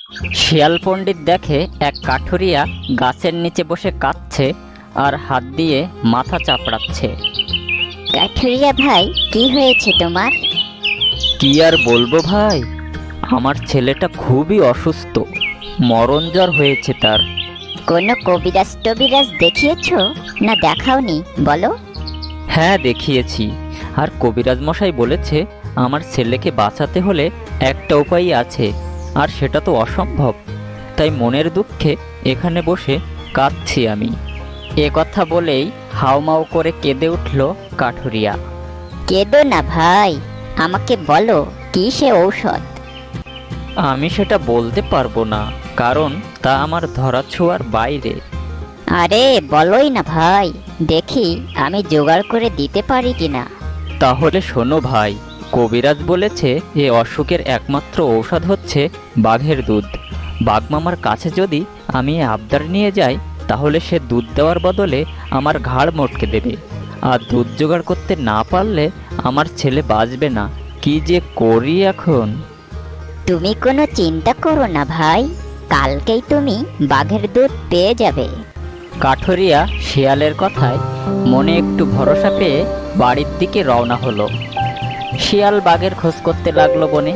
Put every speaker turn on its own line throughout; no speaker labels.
শিয়াল পণ্ডিত দেখে এক কাঠুরিয়া গাছের নিচে বসে কাঁদছে আর হাত দিয়ে মাথা চাপড়াচ্ছে।
কাঠুরিয়া ভাই, কি হয়েছে তোমার?
কি আর বলবো ভাই, আমার ছেলেটা খুবই অসুস্থ, মরণ জ্বর হয়েছে তার।
কোনো কবিরাজ টবিরাজ দেখিয়েছো না দেখাওনি বলো?
হ্যাঁ দেখিয়েছি, আর কবিরাজ মশাই বলেছে আমার ছেলেকে বাঁচাতে হলে একটা উপায় আছে, আর সেটা তো অসম্ভব। তাই মনের দুঃখে এখানে বসে কাঁদছি আমি। এ কথা বলেই হাউমাউ করে কেঁদে উঠল কাঠুরিয়া।
কেঁদো না ভাই, আমাকে বলো কি সে ঔষধ?
আমি সেটা বলতে পারবো না, কারণ তা আমার ধরাছোঁয়ার বাইরে।
আরে বলোই না ভাই, দেখি আমি জোগাড় করে দিতে পারি কিনা।
তাহলে শোনো ভাই, কবিরাজ বলেছে এ অসুখের একমাত্র ঔষধ হচ্ছে বাঘের দুধ। বাঘমামার কাছে যদি আমি এ আবদার নিয়ে যাই, তাহলে সে দুধ দেওয়ার বদলে আমার ঘাড় মটকে দেবে, আর দুধ জোগাড় করতে না পারলে আমার ছেলে বাঁচবে না। কি যে করি এখন!
তুমি কোনো চিন্তা করো না ভাই, কালকেই তুমি বাঘের দুধ পেয়ে যাবে।
কাঠুরিয়া শিয়ালের কথায় মনে একটু ভরসা পেয়ে বাড়ির দিকে রওনা হলো। শিয়াল বাঘের খোঁজ করতে লাগলো বনে।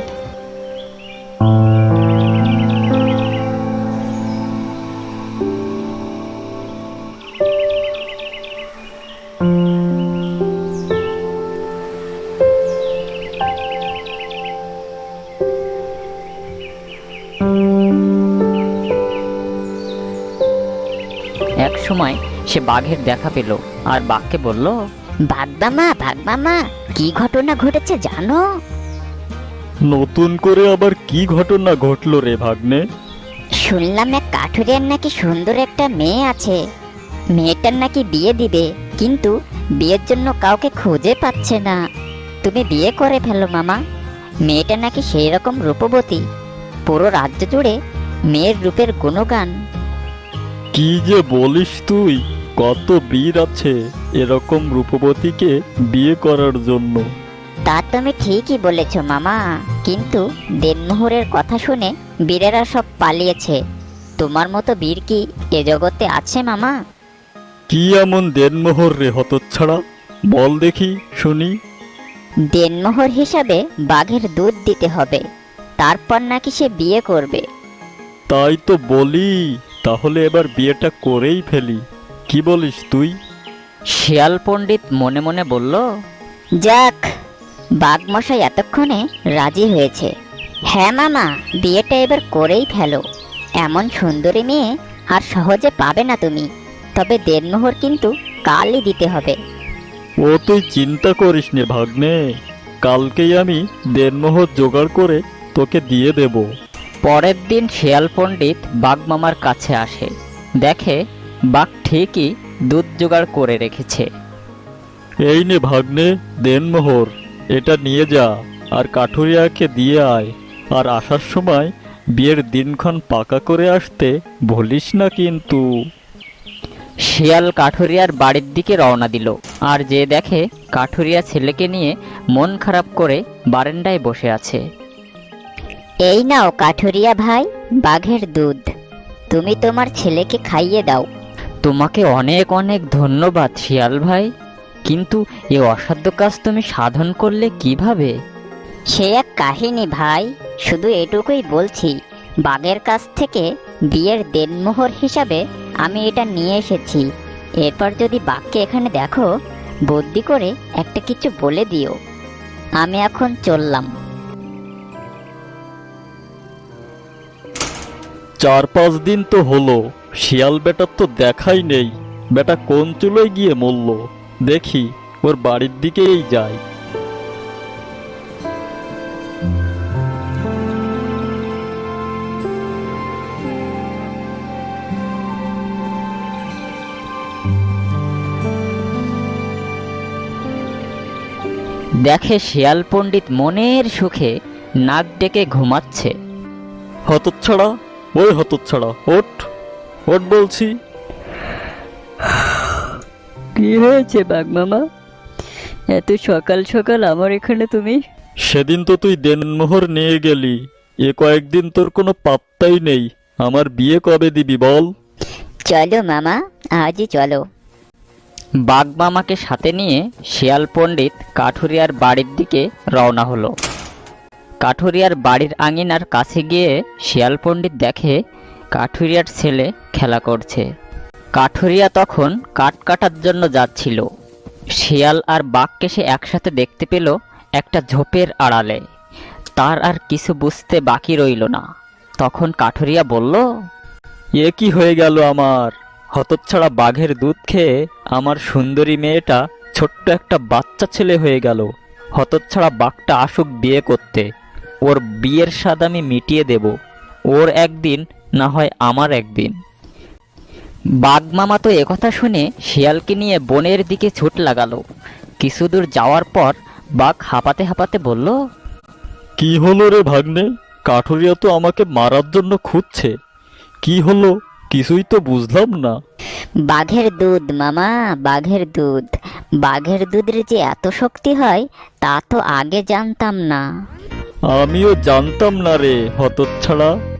এক সময় সে বাঘের দেখা পেল আর বাঘকে বলল,
ভাগবামা, কি ঘটনা ঘটেছে জানো?
নতুন করে আবার কি ঘটনা ঘটলো রে ভাগ্নে?
শুনলাম এক কাঠুরিয়ার নাকি সুন্দর একটা মেয়ে আছে। মেয়েটার নাকি বিয়ে দিবে, কিন্তু বিয়ের জন্য কাউকে খুঁজে পাচ্ছে না। তুমি বিয়ে করে ফেলো মামা। মেয়েটা নাকি সেই রকম রূপবতী, পুরো রাজ্য জুড়ে মেয়ের রূপের গুণগান।
কি যে বলিস তুই! কত বীর আছে এরকম রূপবতীকে বিয়ে করার জন্য।
তা তুমি ঠিকই বলেছ মামা, কিন্তু দেনমোহরের কথা শুনে বীরেরা সব পালিয়েছে। তোমার মতো বীর কি এ জগতে আছে মামা?
কি এমন দেনমোহর রে হতচ্ছাড়া? বল দেখি শুনি।
দেনমোহর হিসাবে বাঘের দুধ দিতে হবে, তারপর নাকি সে বিয়ে করবে।
তাই তো বলি, তাহলে এবার বিয়েটা করেই ফেলি। কি বলিস তুই?
শিয়াল পণ্ডিত মনে মনে বলল,
যাক, বাঘমশাই এতক্ষণে রাজি হয়েছে। হ্যাঁ মামা, বিয়েটা এবার করেই ফেলো। এমন সুন্দরী মেয়ে আর সহজে পাবে না তুমি। তবে দেনমোহর কিন্তু কালই দিতে হবে।
ও তুই চিন্তা করিস নে ভাগ্নে, কালকেই আমি দেনমোহর জোগাড় করে তোকে দিয়ে দেব।
পরের দিন শিয়াল পণ্ডিত বাঘ মামার কাছে আসে, দেখে বাঘ ঠিকই দুধ জোগাড় করে রেখেছে।
এই নে ভাগ্নে দেনমোহর, এটা নিয়ে যা আর কাঠুরিয়াকে দিয়ে আয়। আর আসার সময় বিয়ের দিনক্ষণ পাকা করে আসতে ভুলিস না কিন্তু।
শিয়াল কাঠুরিয়ার বাড়ির দিকে রওনা দিল, আর যে দেখে কাঠুরিয়া ছেলেকে নিয়ে মন খারাপ করে বারান্দায় বসে আছে।
এই নাও কাঠুরিয়া ভাই, বাঘের দুধ। তুমি তোমার ছেলেকে খাইয়ে দাও।
তোমাকে অনেক অনেক ধন্যবাদ শিয়াল ভাই, কিন্তু এ অসাধ্য কাজ তুমি সাধন করলে কিভাবে?
সে এক কাহিনী ভাই, শুধু এটুকুই বলছি, বাঘের কাছ থেকে বিয়ের দেনমোহর হিসাবে আমি এটা নিয়ে এসেছি। এরপর যদি বাঘকে এখানে দেখো, বুদ্ধি করে একটা কিছু বলে দিও। আমি এখন চললাম।
4-5 দিন তো হলো, শিয়াল বেটার তো দেখাই নেই। বেটা কোন চুলোয় গিয়ে মরল? দেখি, ওর বাড়ির দিকেই যাই।
দেখে শিয়াল পণ্ডিত মনের সুখে নাক ডেকে ঘুমাচ্ছে।
হতচ্ছাড়া, ওই হতচ্ছাড়া, ওঠ ওঠ বলছি।
কি হয়েছে বাঘ মামা? এত সকাল সকাল আমার এখানে তুমি?
সেদিন তো তুই দেনমোহর নিয়ে গেলি, এ কয়েকদিন তোর কোনো পাত্তাই নেই। আমার বিয়ে কবে দিবি বল?
চলো মামা, আজই চলো।
বাঘমামাকে সাথে নিয়ে শিয়াল পণ্ডিত কাঠুরিয়ার বাড়ির দিকে রওনা হলো। কাঠুরিয়ার বাড়ির আঙিনার কাছে গিয়ে শিয়াল পণ্ডিত দেখে কাঠুরিয়ার ছেলে খেলা করছে। কাঠুরিয়া তখন কাঠ কাটার জন্য যাচ্ছিল। শিয়াল আর বাঘকে সে একসাথে দেখতে পেল একটা ঝোপের আড়ালে। তার আর কিছু বুঝতে বাকি রইল না। তখন কাঠুরিয়া বলল,
এ কি হয়ে গেল আমার? হতচ্ছাড়া বাঘের দুধ খেয়ে আমার সুন্দরী মেয়েটা ছোট্ট একটা বাচ্চা ছেলে হয়ে গেল। হতচ্ছাড়া বাঘটা আসুক বিয়ে করতে, ওর বিয়ের স্বাদ আমি মিটিয়ে দেব। ওর একদিন না হয় আমার একদিন।
বাঘমামা তো একথা শুনে শিয়ালকে নিয়ে বনের দিকে ছুট লাগালো। কিছু দূর যাওয়ার পর বাঘ হাঁপাতে হাঁপাতে বলল,
কি হলো রে ভাগ্নে? কাঠুরিয়া তো আমাকে মারার জন্য খুঁজছে। কি হলো কিছুই তো বুঝলাম না।
বাঘের দুধ মামা, বাঘের দুধ। বাঘের দুধের যে এত শক্তি হয় তা তো আগে জানতাম না।
আমিও জানতাম না রে হতচ্ছাড়া।